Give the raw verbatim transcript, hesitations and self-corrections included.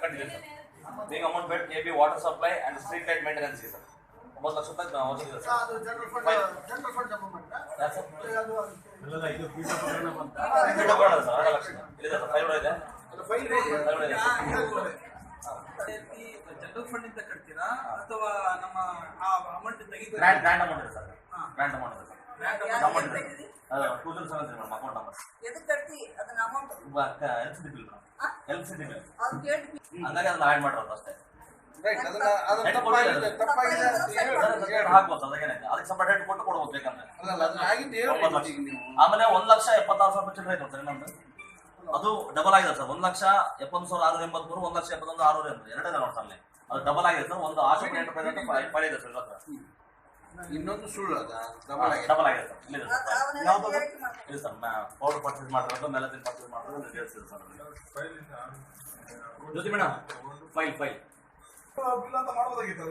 ಕಟ್ಟಿದೆ ಸರ್. ಬೇಗ ಅಮೌಂಟ್ ಬೇಡ K B water supply and street light maintenance ಇದೆ ಸರ್. ಒಂಬತ್ತು ಲಕ್ಷ ರೂಪಾಯಿ ಹೊರಗಿದೆ ಸರ್. ಅದು ಜನರಲ್ ಫಂಡ್ ಜನರಲ್ ಫಂಡ್ ಜಮಾ ಮಾಡಿದ್ರಾ? ಅದು ಎಲ್ಲ ಇದು ಪೀಠ ಪ್ರಕರಣ ಬಂತ. ಪೀಠ ಪ್ರಕರಣ ಸರ್ ಎರಡು ಲಕ್ಷ ಇದೆ ಸರ್. ಫೈಲ್ ಇದೆ. ಅದು ಫೈಲ್ ಇದೆ. ಜನರಲ್ ಫಂಡ್ ಇಂದ ಕಟ್ತೀರಾ ಅಥವಾ ನಮ್ಮ ಆ ಅಮೌಂಟ್ ತೆಗೆದು ಗ್ರಾಂಟ್ ಗ್ರಾಂಟ್ ಅಮೌಂಟ್ ಇದೆ ಸರ್. ಗ್ರಾಂಟ್ ಅಮೌಂಟ್ ಇದೆ ಸರ್. ಗ್ರಾಂಟ್ ಅಮೌಂಟ್ ಇದೆ. ಅದು two thousand seven madam account number. ಎದಕ್ಕೆ ಕಟ್ತಿ ಅದನ್ನ amount LCD bill LCD bill ಅದು ಕೇಳಿ ಹಂಗಾಗಿ ಅದನ್ನ ಆ್ಯಡ್ ಮಾಡಿರೋದು ಅಷ್ಟೇ. ರೈಟ್ ಅದನ್ನ ಅದನ್ನ ತಪ್ಪಾಗಿದೆ ತಪ್ಪಾಗಿದೆ ಅಂತ ಹೇಳಿ ಹಾಕ್ಬೋದು ಅದಕ್ಕೇನೈತೆ ಅದಕ್ಕೆ ಸ್ವಲ್ಪ ರೇಟ್ ಕೊಟ್ಟು ಕೊಡ್ಬೋದು ಬೇಕಂದ್ರೆ. ಅಲ್ಲ ಅಲ್ಲ ಅದನ್ನ ಆಗಿದ್ದು ಹೇಳ್ಬೋದು ಈಗ ನೀವು. ಆಮೇಲೆ ಒಂದ್ ಲಕ್ಷ ಎಪ್ಪತ್ತಾರು ಸಾವಿರ ಚಿಲ್ಲರೆ ಐತೆ ಸರ್ ಇನ್ನೊಂದು ಅದು ಡಬಲ್ ಆಗಿದೆ ಸರ್. ಒಂದ್ ಲಕ್ಷ ಎಪ್ಪತ್ತು ಸಾವಿರ ಆರು ಎಂಬತ್ಮೂರು ಒಂದ್ ಲಕ್ಷ ಎಪ್ಪತ್ತೊಂದು ಆರು ಎಂಬತ್ತು ಎರಡೇ ನೋಡ್ತಾ ಅಲ್ಲಿ ಅದು ಡಬಲ್ ಆಗಿದೆ ಸರ್. ಒಂದು ಆಶೋಕ್ ಎಂಟರ್ಪ್ರೈಸ್ ಫೈಲ್ ಇದೆ ಸರ್ ಇವತ್ತು. ಇನ್ನೊಂದು ಸುಳ್ಳು ಅದ ಡಬಲ್ ಆಗಿದೆ ಡಬಲ್ ಆಗಿದೆ ಸರ್. ಇಲ್ಲಿದೆ ಸರ್ ಫೈಲ್. ಅವನ ಯಾವ್ದು? ಇಲ್ಲ ಸರ್ ಪೌಡರ್ ಪರ್ಚೇಸ್ ಮಾಡಿರೋದು ಮೆಲಸಿನ್ ಪರ್ಚೇಸ್ ಮಾಡಿರೋದು ಡೀಟೇಲ್ಸ್ ಇದೆ sir. Jyothi madam file file bill ಅಂತ ಮಾಡ್ಬೋದಾಗಿತ್ತು.